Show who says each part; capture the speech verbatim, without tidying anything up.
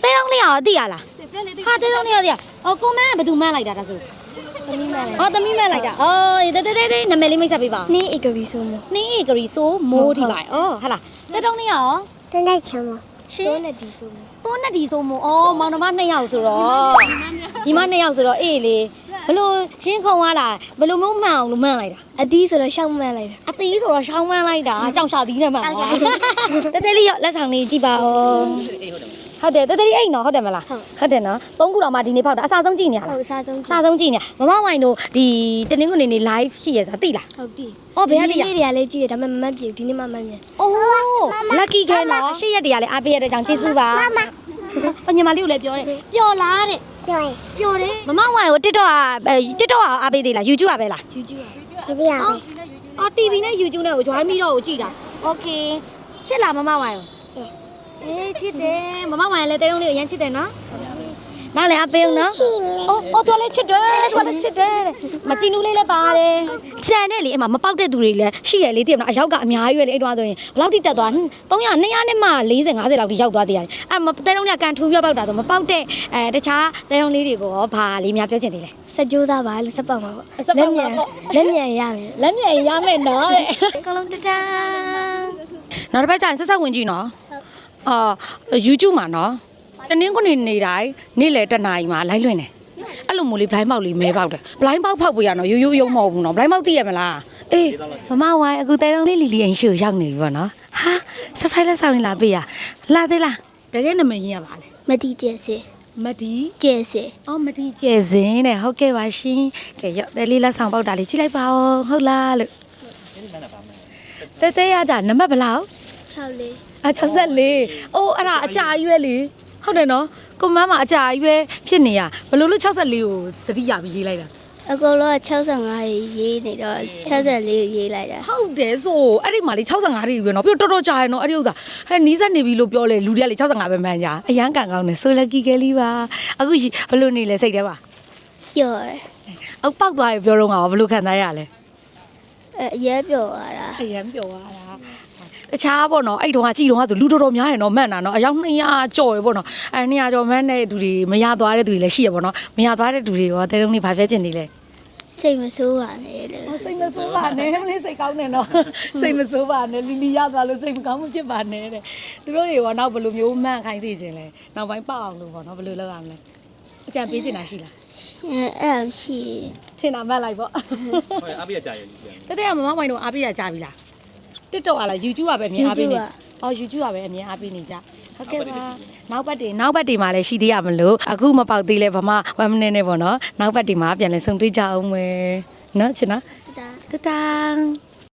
Speaker 1: တဲတောင်းလေးရောသိရလားဟာတဲတောင်းလေးရောသိရဟောကိုမန်းကဘယ်သူမှန်းလိုက်တာဒါဆိုသမီးမှန်းလိုက်ဟောသမီးမှန်းလိုက်တာအော်တဲတဲတဲနာမည်လေးမိတ်ဆက်ပေးပါ
Speaker 2: နှင်းဧကရီဆိုမို့
Speaker 1: နှင်းဧကရီဆိုမိုးထိပါအော်ဟာလားတဲတောင်းလေးရော
Speaker 2: တန်းတိုက်ချမ်းမို့
Speaker 1: ရှင်
Speaker 2: တိုးနဲ့ဒီဆိုမို့
Speaker 1: တိုးနဲ့ဒီဆိုမို့အော်မောင်နှမနှစ်ယောက်ဆိုတော့ညီမနှစ်ယောက်ဆိုတော့အေးလေဘလို့ရှင်းခုံသွားလားဘလို့မျိုးမှန်အောင်လို့မှန်လိုက်တာ
Speaker 2: အသီးဆိုတော့ရှောက်မှန်လိုက်တာ
Speaker 1: အသီးဆိုတော့ရှောင်းမှန်လိုက်တာကြောက်ရှာသီးနဲ့မှန်သွားတဲတဲလေးရောလက်ဆောင်လေးကြည့်ပါဦးဟုတ်တယ်တဲတဲလေးအိမ်နော်ဟုတ်တယ်မလားဟုတ်တယ်နော်သုံးခုတော့မှဒီနေ့ဖောက်တာအစားဆုံးကြည့်နေရလား
Speaker 2: ဟုတ်အစားဆုံး
Speaker 1: အစားဆုံးကြည့်နေမမဝိုင်တို့ဒီတနင်္ဂနွေနေ့ live ရှိရဆိုတာသိလား
Speaker 2: ဟုတ်ပြီ
Speaker 1: အော်ဘယ်ရည်ရ
Speaker 2: လေးတွေကလည်းကြည့်တယ်ဒါပေမဲ့မမှတ်ပြဒီနေ့မှမှတ်မြန်
Speaker 1: အိုး lucky ခဲနော်ရှေ့ရက်တွေကလည်းအားပေးရတဲ့ကြောင့်ကျေးဇူးပါမမအညီမလေးကိုလည်းပြောတယ်ပျော်လားတဲ့
Speaker 2: ပျော်ရင်
Speaker 1: ပျော်တယ်မမဝိုင်ကို TikTok อ่ะ TikTok อ่ะအားပေးသေးလား YouTube อ่ะပဲလား
Speaker 2: YouTube อ่ะဖြစ်ပြရမယ်
Speaker 1: အော် တီဗီ နဲ့ YouTube နဲ့ကို join ပြီးတော့ကိုကြည့်တာ Okay ချစ်လားမမဝိုင်ကိုအေးချစ်တယ်မမဝိုင်လည်းတဲုံလေးကိုရမ်းချစ်တယ်နော်နားလည်းအပေးအောင်နော်အော်အော်တော်လေးချစ်တယ်တော်လေးချစ်တယ်မကြည့်နူးလေးလည်းပါတယ်စံနဲ့လေအမမပေါက်တဲ့သူတွေလည်းရှိရလေတည်မလားအရောက်ကအများကြီးပဲလေအဲ့တော့ဆိုရင်ဘယ်လောက်ထိတက်သွားသုံးရာနှစ်ရာနဲ့မှ၄၀ ၅၀လောက်ထိရောက်သွားသေးတယ်အဲ့မတဲုံလေးကကန်ထူပြောပေါက်တာဆိုမပေါက်တဲ့အဲတခြားတဲုံလေးတွေကိုရောဘာလေးများပြောချင်သေးလဲ
Speaker 2: စကြိုးစားပါလို့စက်ပောက်ပါပေါ့လက်မြန်လက်မြန်ရမယ်
Speaker 1: လက်မြန်ရမယ်နော်တဲ့ကောလုံးတတန်းနောက်တစ်ပတ်ကျရင်ဆက်ဆက်ဝင်ကြည့်နော်အာ YouTube မှာနော်တနင်္ဂနွေနေ့တိုင်းနေ့လယ်တနာရီမှာလိုက်လွင်တယ်အဲ့လိုမျိုးလေးဘလိုင်းပေါက်လေးမဲပေါက်တယ်ဘလိုင်းပေါက်ဖောက်ပေးရနော်ရိုးရိုးရုံမဟုတ်ဘူးနော်ဘလိုင်းပေါက်သိရမလားအေးမမဝိုင်းအခုတဲတုံးလေးလီလီအိမ်ရှိကိုရောက်နေပြီပေါ့နော်ဟာ surprise လက်ဆောင်လေးလာပေးရလာသေးလားတကယ်နာမည်ရင်းရပါလေ
Speaker 2: မတီကျဲစေ
Speaker 1: မတီ
Speaker 2: ကျဲစေ
Speaker 1: အော်မတီကျဲစင်းတဲ့ဟုတ်ကဲ့ပါရှင်ကဲရောက်တဲလေးလက်ဆောင်ပေါက်တာလေးကြည့်လိုက်ပါဦးဟုတ်လားလို့တဲတဲရကြနံပါတ်ဘယ်လောက်
Speaker 2: ၆လေး
Speaker 1: အ၆၄အိုးအဲ့ဒါအကြာကြီးပဲလေဟုတ်တယ်နော်ကိုမန်းမှာအကြာကြီးပဲဖြစ်နေရဘလို့လို့၆၄ကိုသတိရပြီးရေးလိုက်တာ
Speaker 2: အကုန်လုံးက၆၅ရေးနေတော့၆၄ရေးလိုက်တာ
Speaker 1: ဟုတ်တယ်ဆိုအဲ့ဒီမှာလေ၆၅တွေပဲနော်ပြီးတော့တော်တော်ကြာရနော်အဲ့ဒီဥစ္စာဟဲ့နီးစက်နေပြီလို့ပြောလေလူတွေကလေ၆၅ပဲမှန်းကြအရန်ကန်ကောင်းတယ်ဆိုလက်ကီကလေးပါအခုဘလို့နေလဲစိတ်ထဲပါ
Speaker 2: ပျော်တယ်
Speaker 1: အောက်ပောက်သွားရပြောတော့ငါဘလို့ခံစားရလဲ
Speaker 2: အဲအရဲပျော်သွားတာ
Speaker 1: အရန်ပျော်သွားတာတခြားပေါ့နော်အဲ့တုန်းကကြည်တုန်းကဆိုလူတော်တော်များရယ်နော်မှန်တာနော်အယောက်နှစ်ရာကျော်ရယ်ပေါ့နော်အဲနှစ်ရာကျော်မှန်းတဲ့သူတွေမရသွားတဲ့သူတွေလည်းရှိရပေါ့နော်မရသွားတဲ့သူတွေရောတဲတုန်းလေးဘာပြောချင်နေလဲ
Speaker 2: စိတ်မဆိုးပါနဲ့လေ
Speaker 1: စိတ်မဆိုးပါနဲ့မလေးစိတ်ကောင်းနေနော်စိတ်မဆိုးပါနဲ့လီလီရသွားလို့စိတ်မကောင်းမဖြစ်ပါနဲ့တဲ့သူတို့တွေကနောက်ဘယ်လိုမျိုးမှန်ခိုင်းစီခြင်းလဲနောက်ပိုင်းပေါက်အောင်လို့ပေါ့နော်ဘယ်လိုလုပ်ရမလဲအကြံပေးချင်တာရှိလား
Speaker 2: အဲအဲ့ရှိ
Speaker 1: ချင်တာမှတ်လိုက်ပေါ့
Speaker 3: ဟုတ်အားပေးရကြရည်
Speaker 1: တဲတဲကမမမိုင်တို့အားပေးရကြပြီလား TikTok อ่ะလား YouTube อ่ะပဲအမြင်အားပေးနေအော် YouTube อ่ะပဲအမြင်အားပေးနေကြဟုတ်ကဲ့ပါနောက်ပတ်တွေနောက်ပတ်တွေမှာလည်းရှိသေးရမလို့အခုမပေါက်သေးလဲဗမာone minuteနဲ့ပေါ့နော်နောက်ပတ်တွေမှာပြန်လဲဆုံတွေ့ကြအောင်မယ်နော်ချင်နော်တတန်